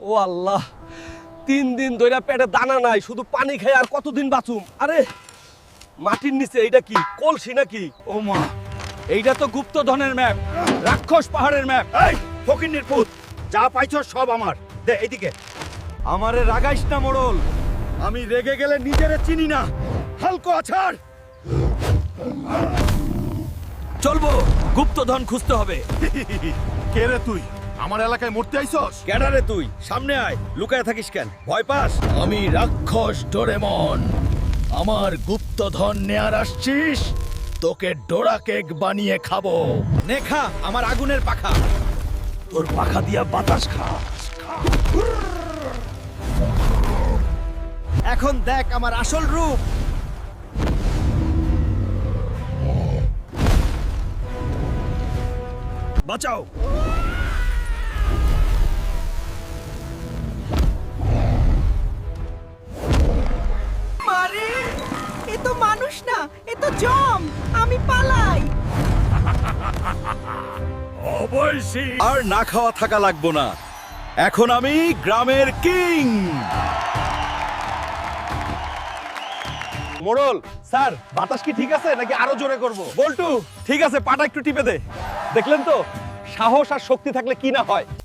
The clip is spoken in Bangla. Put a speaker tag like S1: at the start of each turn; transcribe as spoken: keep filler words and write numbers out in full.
S1: ও আল্লাহ, তিন দিন ধরে পেটে দানা নাই, শুধু পানি খাই আর কতদিন বাঁচুম। আরে মাটির নিচে এইটা কি, কলসি নাকি?
S2: ও মা, এইটা তো গুপ্তধনের ম্যাপ, রাক্ষস পাহাড়ের ম্যাপ।
S3: এই ফকিন্নির পুত, যা পাইছো সব আমার। দে এইদিকে।
S2: আমারে রাগাইস না মোড়ল,
S3: আমি রেগে গেলে নিজেরে চিনি না। হালকো আছাড়।
S2: চলবো, গুপ্তধন খুঁজতে হবে।
S3: কে রে তুই? আমার এলাকায় মরতে আইছস?
S2: ক্যাডারে তুই, সামনে আয়, লুকায় থাকিস কেন? ভয় পাস?
S4: আমি রাক্ষস ডোরেমন। আমার গুপ্তধন নেয়ার আসছিস? তোকে ডোরা কেক বানিয়ে খাবো।
S2: নেখা আমার আগুনের পাখা।
S4: তোর পাখা দিয়া বাতাস খা।
S2: এখন দেখ আমার আসল রূপ। বাঁচাও।
S5: মারে, এ তো মানুষ না, এ তো জম। আমি পালাই।
S4: অবশ্যই।
S2: আর না খাওয়া থাকা লাগবো না, এখন আমি গ্রামের কিং।
S1: মোড়ল স্যার, বাতাস কি ঠিক আছে নাকি আরো জোরে করব?
S2: বল্টু, ঠিক আছে, পাটা একটু টিপে দে।
S1: দেখলেন তো, সাহস আর শক্তি থাকলে কি না হয়।